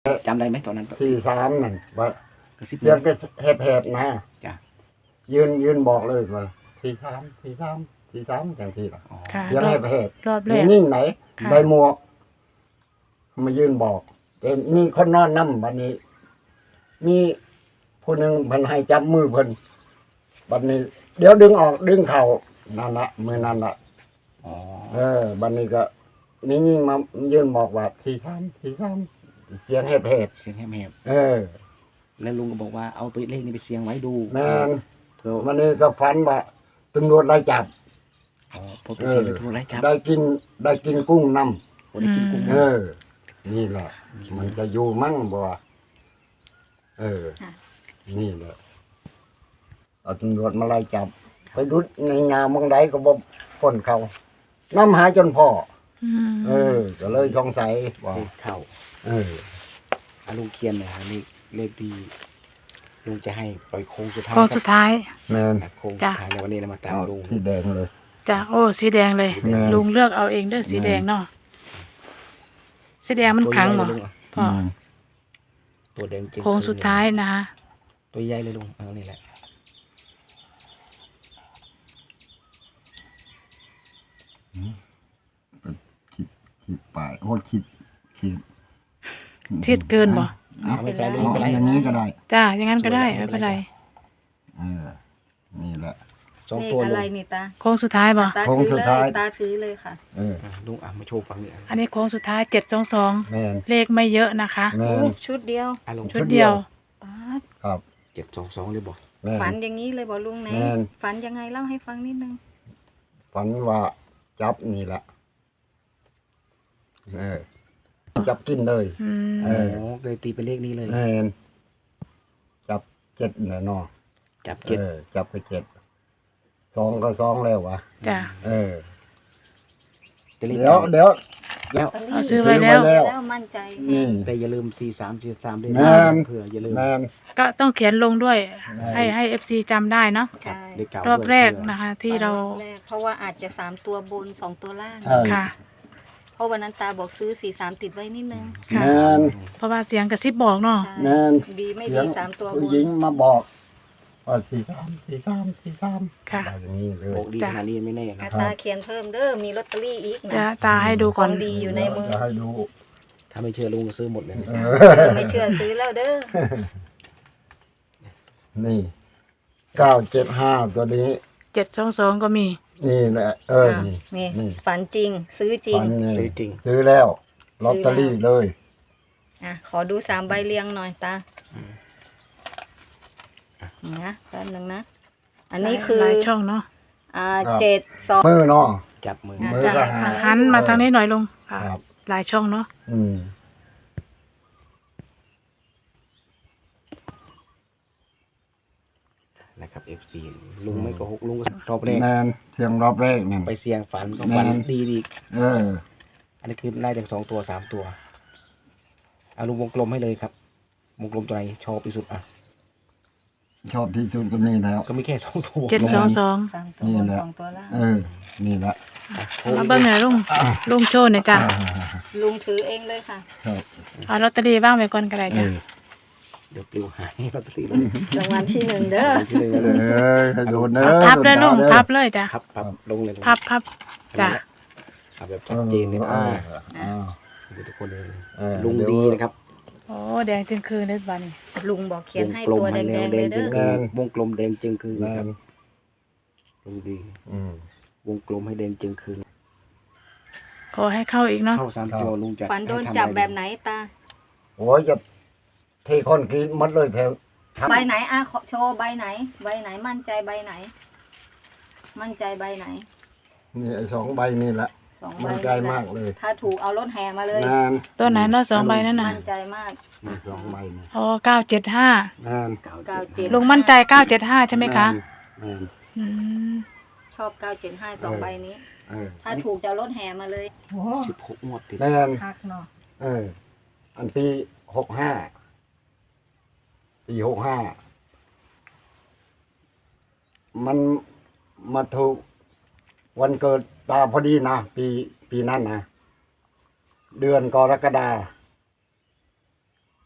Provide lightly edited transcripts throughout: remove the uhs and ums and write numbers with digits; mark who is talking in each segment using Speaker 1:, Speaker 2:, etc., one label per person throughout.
Speaker 1: จำได้ไหมตอนนั้น
Speaker 2: 43นั่นว่าก
Speaker 1: ระซิบ
Speaker 2: เสียงก็แหบๆนะ
Speaker 1: จ้ะ
Speaker 2: ยืนบอกเลยว่า43จังซี่ล่ะ
Speaker 1: อ๋อ
Speaker 3: ค่ะ
Speaker 2: เสียงแหบ
Speaker 3: รอบ
Speaker 2: ๆ
Speaker 3: แรก
Speaker 2: นิ่งไหน
Speaker 3: ค่ะ
Speaker 2: ใส่หมวกมายืนบอกแต่มีคนนอนนำบัดนี้ มีผู้หนึงเพิ่นให้จับมือเพิ่นบัดนี้ เดี๋ยวดึงออกดึงเข้านั่นน่ะมือนั่นน่ะ
Speaker 1: อ๋อ
Speaker 2: บัดนี้ก็มียิ่งมายืนบอกว่า43เสียงแหบ
Speaker 1: เสียงแหบ
Speaker 2: ๆ
Speaker 1: ๆแล้วลุงก็บอกว่าเอาไปเลขนี้ไปเสียงไว้ดู
Speaker 2: แม่น
Speaker 1: เผื่อ
Speaker 2: วันนี้ก็ฝันว่าตำรวจไล่จับ
Speaker 1: อ๋อพอไปเสียงไปทุกไรจับ
Speaker 2: ได้กินกุ้งนำ
Speaker 1: โอ้ได้กินกุ้ง
Speaker 2: นี่แหละ มันจะอยู่มั่งบ่นี่แหละเอาตำรวจมาไล่จับ ไปดูในงานบางใดก็บ่พ้นเขานำหาจนพ่อ
Speaker 3: อืม
Speaker 2: ก็เลยสงสัยว่า
Speaker 1: เลขเข้าอาลุงเคียนหน่อยฮะเลขดีลุงจะให้ปล่อยโค้งสุดท้าย
Speaker 3: โค้งสุดท้าย
Speaker 2: แม่น
Speaker 1: โค้งสุ
Speaker 3: จ้ะ
Speaker 1: ดท้ายแล้ววันนี้เรามาตาม
Speaker 2: เอา
Speaker 1: ลุง
Speaker 2: สีแดงเลย
Speaker 3: จ้ะโอ้สีแดงเลย
Speaker 2: แม่น
Speaker 3: ลุงเลือกเอาเองเด้อสีแดงเนาะสีแดงมันครั้งบ่
Speaker 1: ตัวใหญ่เลยลุง
Speaker 3: พ่อ
Speaker 1: ตัวแดงจริง
Speaker 3: โค้งสุดท้ายนะคะ
Speaker 1: ตัวใหญ่เลยลุงเอานี่แหละ
Speaker 2: คิดปลายโอ้คิด
Speaker 3: ทิศเกินบ่
Speaker 1: เอาไม่เป็นไรลุงไม่เป็นไร
Speaker 2: อย่างนี้ก็ได้
Speaker 3: จ้ะอย่างนั้นก็ได้ไม่เป็นไร
Speaker 2: นี่แหละ
Speaker 1: สอง
Speaker 4: เลข
Speaker 1: ตัว
Speaker 4: อะ
Speaker 1: ลุ
Speaker 4: ไรง นี่ตา
Speaker 3: โค้งสุดท้ายบ่
Speaker 4: ตา
Speaker 2: โค้ง
Speaker 4: ถือ
Speaker 2: สุด
Speaker 4: เล
Speaker 2: ท้าย
Speaker 4: ยตาถือเลยค่ะ
Speaker 1: ลุงมาโชว์ฝั่งนี้
Speaker 3: อันนี้โค้งสุดท้าย722
Speaker 2: แม่น
Speaker 3: เลขไม่เยอะนะคะ
Speaker 2: แม่
Speaker 4: โอ้
Speaker 2: น
Speaker 4: ชุดเดียว
Speaker 1: ลุง
Speaker 3: ชุดเดียว
Speaker 4: ป๊าด
Speaker 2: ครับ
Speaker 1: 722เลยบอก
Speaker 2: แม่น
Speaker 4: ฝันอย่างนี้เลยบอกลุงไหน
Speaker 2: แม่น
Speaker 4: ฝันยังไงเล่าให้ฟังนิดนึง
Speaker 2: ฝันว่าจับนี่แหละจับกินเลย
Speaker 3: อืม
Speaker 2: เอ
Speaker 1: โอ้
Speaker 2: อ
Speaker 1: เลยตีเป็นเลขนี้เลย
Speaker 2: แม่นจับ7น่ะเนาะ
Speaker 1: จับเจ็ด
Speaker 2: จับไป7 2ก็2แล้ววะ
Speaker 3: จ้ะ
Speaker 1: เป็นเลข
Speaker 2: เดี๋ยว
Speaker 1: แล้ว
Speaker 3: เอาซื้อไว้แล้ว
Speaker 4: แล้วมั่นใจ
Speaker 2: นี่
Speaker 1: แต่อย่าลืม43ด้วย
Speaker 2: แม่
Speaker 1: นะ
Speaker 2: น
Speaker 1: เผื่ออย่าลืม
Speaker 2: แม่น
Speaker 3: ก็ต้องเขียนลงด้วย
Speaker 2: ได้
Speaker 3: ให้ FC จำได้เนาะ
Speaker 4: ใช่
Speaker 1: เลขเก่าร
Speaker 3: อบแรก
Speaker 1: ด้วย
Speaker 3: นะคะ ที่เรา
Speaker 4: ฝันอบแรกเพราะว่าอาจจะ3ตัวบน2ตัวล่าง
Speaker 2: ใช่
Speaker 3: ค่ะ
Speaker 4: เพราะวันนั้นตาบอกซื้อ43ติดไว้นิดนึง
Speaker 3: ค่ะ
Speaker 2: แม่น
Speaker 3: เพราะว่าเสียงกระซิบบอกเนาะ
Speaker 4: ใช่
Speaker 2: แม่น
Speaker 4: ดีไม่
Speaker 2: เสี
Speaker 4: ดี
Speaker 2: ยง
Speaker 4: 3ตัวบ
Speaker 2: ผู้
Speaker 4: น
Speaker 2: หญิงมาบอกว่า43
Speaker 3: ค่ะ
Speaker 2: อะไรอย่างนี้เลย
Speaker 1: โอ้ดี
Speaker 3: จ้ะ
Speaker 1: ขนาดนี้ไม่แน่นะ
Speaker 4: อ่ะตาเขียนเพิ่มเด้อมีลอตเตอรี่อีก
Speaker 3: จะ
Speaker 4: นะ
Speaker 3: ตาให้ดูก่อน
Speaker 4: ของดี อยู่ในมือ
Speaker 2: จะให้ดู
Speaker 1: ถ้าไม่เชื่อลุงก็ซื้อหมดเลย
Speaker 4: ไม่เชื่อซื้อแล้วเด้อ
Speaker 2: นี่975ตัวนี้
Speaker 3: 722ก็มี
Speaker 2: นี่แหละ นี่
Speaker 4: นี่
Speaker 2: นี่
Speaker 4: ฝันจริง ซื้อจริง
Speaker 2: ฝันนี่
Speaker 1: ซื้อจริง
Speaker 2: ซื้อแล้วลอตเตอรี่เลย
Speaker 4: อ่ะขอดู3ใบเรียงหน่อยตานะแป๊บนึงนะ อันนี้คือ
Speaker 3: หลายช่องเนาะ
Speaker 4: 7 2
Speaker 2: มือเนาะ
Speaker 1: จับมือ
Speaker 2: มือ
Speaker 4: จ้ะ
Speaker 2: ก็
Speaker 4: ทาง
Speaker 3: หันมาทางนี้หน่อยลุงค่ะ
Speaker 2: ครับ
Speaker 3: หลายช่องเนาะ
Speaker 2: อืม
Speaker 1: นะครับ FC ลุงไม่โกหกลุงก็รอบแรก
Speaker 2: แมนเสียงรอบแรกนั่น
Speaker 1: ไปเสี่ยงฝันก็ฝัน
Speaker 2: แม่น
Speaker 1: ดีดี
Speaker 2: เออ
Speaker 1: อันนี้คือไล่ถึง2 ตัว 3 ตัวเอาลุงวงกลมให้เลยครับวงกลมตัวไหนชอบที่สุดอ่ะ
Speaker 2: ชอบที่สุดก็นี่แล้ว
Speaker 1: ก็มีแค่2 ตัว
Speaker 3: 722
Speaker 4: 3ตัวบน2ตัวล่าง
Speaker 2: นี่ละ
Speaker 3: มาเบิ่งหน่อยลุงลุงโชว์หน่อยจ้ะ
Speaker 4: ลุงถือเองเลยค่ะ
Speaker 2: ครับ
Speaker 3: เอาลอตเตอรี่บ้างไปก่อนก็ได้
Speaker 2: เอ
Speaker 3: จ้ะ
Speaker 2: อ
Speaker 1: เดี๋ยวปลิวหายลอตเตอรี่
Speaker 4: รางวัลที่1เด้อ
Speaker 1: ที่เลยนะลุง
Speaker 2: ให้โดนเนอะ
Speaker 3: พับเลยลุงพับเลยจ้ะ
Speaker 1: พับลงเลยลุง
Speaker 3: พับจ้ะ
Speaker 1: พับแบบชัดเจนเลยนะดูทุกคนเลย ลุงดีนะครับ
Speaker 3: โอ้แดงจึงคืนเลยบ้านี้
Speaker 4: ลุงบอกเขียนให้
Speaker 1: วงกลม
Speaker 4: ตัวแด
Speaker 1: ให้
Speaker 4: ง
Speaker 1: แนว
Speaker 4: ๆ
Speaker 1: แด
Speaker 4: เล
Speaker 1: ง
Speaker 4: ย
Speaker 1: จึ
Speaker 4: เด้
Speaker 1: ง
Speaker 4: อ
Speaker 1: คือวงกลมแดงจึงคือ
Speaker 2: แม
Speaker 1: นะครั
Speaker 2: น
Speaker 1: บลุงดี
Speaker 2: อืม
Speaker 1: วงกลมให้แดงจึงคือ
Speaker 3: ขอให้เข้าอีกเนาะ
Speaker 1: เข้า3 ตัวลุงจะ
Speaker 4: ฝันโดน
Speaker 1: ให้ทำ
Speaker 4: จับ
Speaker 1: อะไร
Speaker 4: แบบไหนตา
Speaker 2: โอ้ยจะเทคนกินหมดเลยแถว
Speaker 4: ใบไหนอ่ะขอโชว์ใบไหน ใบไหนมั่นใจใบไหน มั่นใจใบไหน
Speaker 2: นี่ไอ้2 ใบนี่แหละ
Speaker 4: 2 ใบ
Speaker 2: มั่นใจมากเลย
Speaker 4: ถ้าถูกเอารถแห่มาเลย
Speaker 2: แมน
Speaker 3: ตัวไหนเนาะ2 ใบนั่นน่ะ
Speaker 4: มั่นใจมาก
Speaker 2: มี2 ใบนี่
Speaker 3: อ๋อ975
Speaker 2: แมน
Speaker 4: 97
Speaker 3: ลุงมั่นใจ975ใช่ไหมคะ
Speaker 2: แมน
Speaker 3: อืม
Speaker 4: ชอบ 975 2 ใบนี้
Speaker 2: เออ
Speaker 4: ถ้าถูกจะเอารถแห่มาเลย
Speaker 1: 16 งวดติด
Speaker 2: แมน
Speaker 4: คักเนาะ
Speaker 2: อันปี65ปี65มันมาถูกวันเกิดตาพอดีนะปีนั้นนะเดือนกรกฎา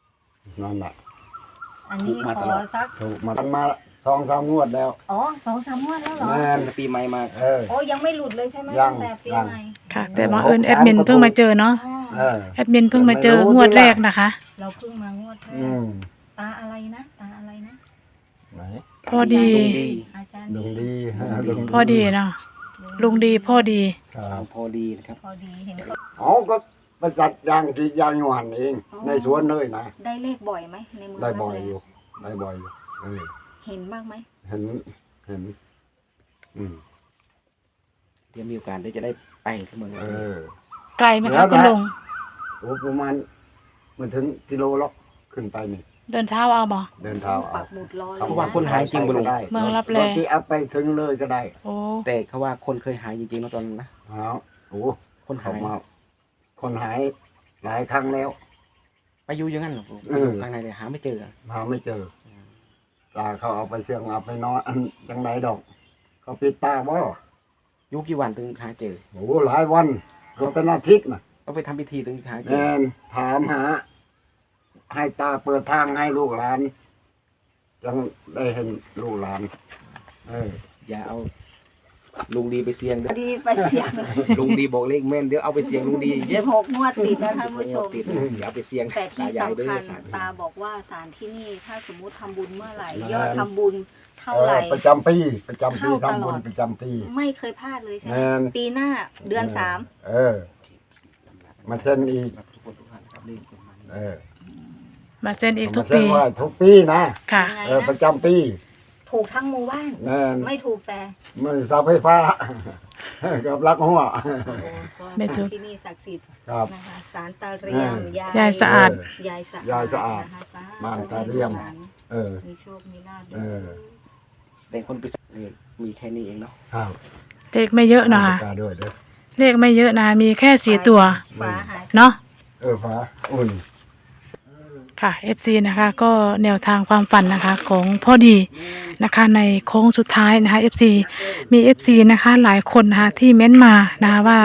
Speaker 2: นั่นแหละ
Speaker 4: อันนี้ขอสัก
Speaker 2: ถูกมา2-3 งวดแล้ว
Speaker 4: อ๋อ2-3 งวดแล้วเหรอ
Speaker 2: แม่น
Speaker 1: ปีใหม่มา
Speaker 4: โอ้ยังไม่หลุดเลยใช่ไหม
Speaker 2: ยั
Speaker 4: ตั้
Speaker 2: ง
Speaker 4: งแต่ปี
Speaker 2: ยัง
Speaker 4: ใหม่
Speaker 3: ค่ะ แต่บังเอิญแอดมินเพิ่งมาเจอเนาะ
Speaker 4: อ๋อ
Speaker 2: เออ
Speaker 3: แอดมินเพิ่งมาเจองวดแรกนะคะ
Speaker 4: เราเพิ่งมางวดแร
Speaker 2: อื
Speaker 4: ก
Speaker 2: ม
Speaker 4: ตาอะไรนะตาอะไรนะ
Speaker 2: ไหน
Speaker 3: พอดี
Speaker 4: อาจารย์
Speaker 2: ลุงดี
Speaker 3: พอดีเนาะลุงดีพ่อดี
Speaker 2: ครับ
Speaker 1: พอดีนะครับ
Speaker 4: พอดีเห็นเขา
Speaker 2: เขาก็ไปจัดยางกรีดยางอยู่หันเอง ในสวนเลยนะ
Speaker 4: ได้เลขบ่อยไหมในเมือง
Speaker 2: ได้บ่อย
Speaker 4: รับแล
Speaker 2: อยู่ได้บ่อยอยู่เออ
Speaker 4: เห็นบ้างไหม
Speaker 2: เห็นอืม
Speaker 1: เดี๋ยวมีโอกาสได้จะได้ไปเสมอ
Speaker 2: เออ
Speaker 3: ไกลไหมคะคุณลุง
Speaker 2: โอ้ประมาณมันถึงกิโลล็อกขึ้นไปนี่
Speaker 3: เดินเท้าเอาบ่
Speaker 2: เดินเท้า
Speaker 4: ปั
Speaker 2: เอา
Speaker 4: กหมุดรอเลย
Speaker 1: เขาว่าคนหายจริงบุลุง
Speaker 2: ได้
Speaker 3: เมืองรับแล
Speaker 2: รถที่เอาไปถึงเลยก็ได้
Speaker 3: โอ้
Speaker 1: แต่เขาว่าคนเคยหายจริงๆนะตอนนั้นนะ
Speaker 2: เอาโอ้
Speaker 1: คนหา
Speaker 2: เขา
Speaker 1: ย
Speaker 2: มาคนหายหลายครั้งแล้ว
Speaker 1: ไปอยู่อย่างนั้นเหรอ
Speaker 2: เออ
Speaker 1: ข้างในเลยหาไม่เจอ
Speaker 2: หาไม่เจอตาเขาเอาไปเสี่ยงเอาไปนอนอันจังไหนดอก เขาปิดตาบ่
Speaker 1: อยู่กี่วันถึงหาเจอ
Speaker 2: โอ้หลายวันก็เป็นอาทิตย์นะ
Speaker 1: ต้องไปทำพิธีถึงหาเจ
Speaker 2: แน
Speaker 1: อ
Speaker 2: นถามหา ให้ตาเปิดทางให้ลูกหลานยังได้เห็นลูกหลาน เออ
Speaker 1: อย่าเอาลุงดีไปเสี่ยงเด้อ
Speaker 4: ดีไปเสียง
Speaker 1: ลุงดีบอกเลขแม่นเดี๋ยวเอาไปเสี่ยงลุงดีเย็บ
Speaker 4: 16 งวดติดนะท่านผู้ชม
Speaker 1: ติดนะอย่าเอาไปเสี่ยง
Speaker 4: แต่ที่
Speaker 1: ตายาย
Speaker 4: สำ
Speaker 1: ด้วย
Speaker 4: คัญ
Speaker 1: สาร
Speaker 4: ตาบอกว่าศาลที่นี่ถ้าสมมุติทำบุญเมื่อไหร่
Speaker 2: นั่น
Speaker 4: ยอดทำบุญเท่าไหร่
Speaker 2: ประจำปีทำบุญ
Speaker 4: เข้าตลอด
Speaker 2: ประจำปี
Speaker 4: ไม่เคยพลาดเลยใช่ไหม
Speaker 2: แม่น
Speaker 4: ปีหน้าเดือน
Speaker 2: เออ มาเส้นอีก
Speaker 1: ทุกคนทุกท่านครับเลขประมาณนี้
Speaker 2: เออ
Speaker 3: มาเซ็นอีกทุก
Speaker 2: มาเส้
Speaker 3: ปี
Speaker 2: นไหว้ทุกปีนะ
Speaker 3: ค่ะ
Speaker 4: ยังไง
Speaker 2: เออ ประ
Speaker 4: นะ
Speaker 2: จำปี
Speaker 4: ถูกทั้งหมู่บ้าน
Speaker 2: แน่น
Speaker 4: ไม่ถูกแต่
Speaker 2: มือเสาไฟฟ้า กับรักหัว
Speaker 4: โอ้ก็
Speaker 3: ไม่ถู
Speaker 4: ศาก ลที่นี่ศักดิ์สิทธิ์
Speaker 2: ครับ
Speaker 4: นะคะศาลตาเรียม
Speaker 3: ยายสะอาด
Speaker 4: ยายสะอาด
Speaker 2: ยายสะอาด
Speaker 4: นะคะสาธุ
Speaker 2: บ้านตาเรียม เออ
Speaker 4: มีโชคมีลาภ
Speaker 2: เออ
Speaker 1: แต่คนไปมีแค่นี้เองเนาะ
Speaker 2: ครับ
Speaker 3: เลขไม่เยอะนะคะ
Speaker 2: ตาด้วยเด้อ
Speaker 3: เลขไม่เยอะนะมีแค่4ตัว
Speaker 4: ฟ้าหาย
Speaker 3: เนาะ
Speaker 2: เออฟ้าอุ่น
Speaker 3: ค่ะ FC นะคะก็แนวทางความฝันนะคะของพ่อดีนะคะในโค้งสุดท้ายนะคะ FC มี FC นะคะหลายคนนะคะที่เม้นมานะคะว่า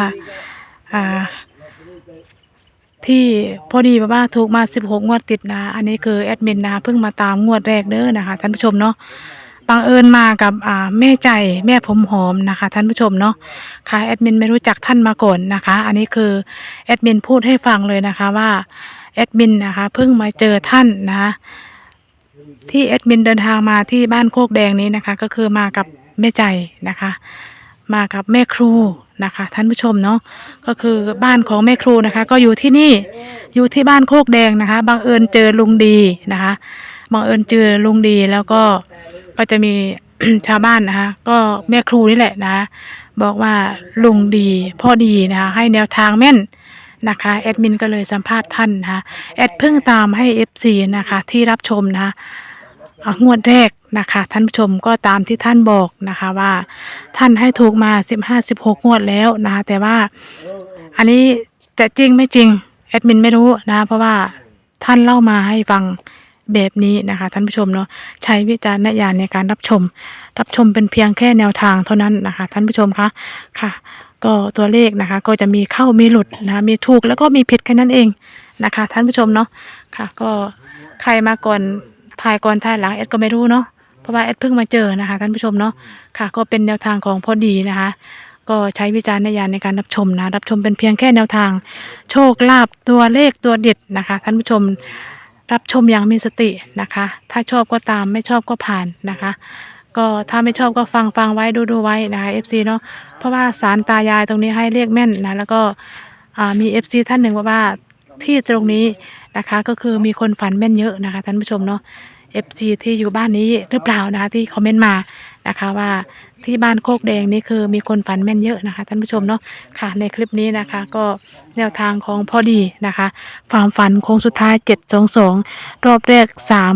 Speaker 3: ที่พ่อดีบอกว่าถูกมา16 งวดติดนะอันนี้คือแอดมินนะคะเพิ่งมาตามงวดแรกเด้อนะคะท่านผู้ชมเนาะบังเอิญมากับแม่ใจแม่ผมหอมนะคะท่านผู้ชมเนาะค่ะแอดมินไม่รู้จักท่านมาก่อนนะคะ อันนี้คือแอดมินพูดให้ฟังเลยนะคะว่าแอดมินนะคะเพิ่งมาเจอท่านนะคะที่แอดมินเดินทางมาที่บ้านโคกแดงนี้นะคะก็คือมากับแม่ใจนะคะมากับแม่ครูนะคะท่านผู้ชมเนาะก็คือบ้านของแม่ครูนะคะก็อยู่ที่นี่อยู่ที่บ้านโคกแดงนะคะบังเอิญเจอลุงดีนะคะบังเอิญเจอลุงดีแล้วก็จะมี ชาวบ้านนะคะก็แม่ครูนี่แหละนะคะบอกว่าลุงดีพ่อดีนะคะให้แนวทางแม่นนะคะแอดมินก็เลยสัมภาษณ์ท่านนะคะแอดเพิ่งตามให้ FC นะคะที่รับชมนะคะงวดแรกนะคะท่านผู้ชมก็ตามที่ท่านบอกนะคะว่าท่านให้ถูกมา15-16 งวดแล้วนะคะแต่ว่าอันนี้จะจริงไม่จริงแอดมินไม่รู้นะเพราะว่าท่านเล่ามาให้ฟังแบบนี้นะคะท่านผู้ชมเนาะใช้วิจารณญาณในการรับชมเป็นเพียงแค่แนวทางเท่านั้นนะคะท่านผู้ชมคะค่ะก็ตัวเลขนะคะก็จะมีเข้ามีหลุดนะคะมีถูกแล้วก็มีผิดแค่นั้นเองนะคะท่านผู้ชมเนาะค่ะก็ใครมาก่อนถ่ายก่อนถ่ายหลังแอดก็ไม่รู้เนาะเพราะว่าแอดเพิ่งมาเจอนะคะท่านผู้ชมเนาะค่ะก็เป็นแนวทางของพอดีนะคะก็ใช้วิจารณญาณในการรับชมนะรับชมเป็นเพียงแค่แนวทางโชคลาภตัวเลขตัวเด็ดนะคะท่านผู้ชมรับชมอย่างมีสตินะคะถ้าชอบก็ตามไม่ชอบก็ผ่านนะคะก็ถ้าไม่ชอบก็ฟังไว้ดูไว้นะคะ FC เนาะเพราะว่าศาลตายายตรงนี้ให้เลขแม่นนะแล้วก็มี FC ท่านหนึ่งว่าที่ตรงนี้นะคะก็คือมีคนฝันแม่นเยอะนะคะท่านผู้ชมเนาะ FC ที่อยู่บ้านนี้หรือเปล่านะคะที่คอมเมนต์มานะคะว่าที่บ้านโคกแดงนี่คือมีคนฝันแม่นเยอะนะคะท่านผู้ชมเนาะค่ะในคลิปนี้นะคะก็แนวทางของพอดีนะคะความฝันโค้งสุดท้าย722รอบแรก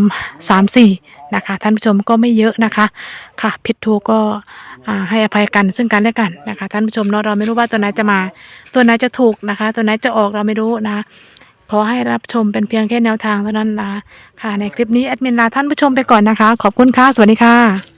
Speaker 3: 334นะคะท่านผู้ชมก็ไม่เยอะนะคะค่ะผิดถูกก็ให้อภัยกันซึ่งกันและกันนะคะท่านผู้ชมเนาะเราไม่รู้ว่าตัวไหนจะมาตัวไหนจะถูกนะคะตัวไหนจะออกเราไม่รู้นะคะขอให้รับชมเป็นเพียงแค่แนวทางเท่านั้นนะคะค่ะในคลิปนี้แอดมินลาท่านผู้ชมไปก่อนนะคะขอบคุณค่ะสวัสดีค่ะ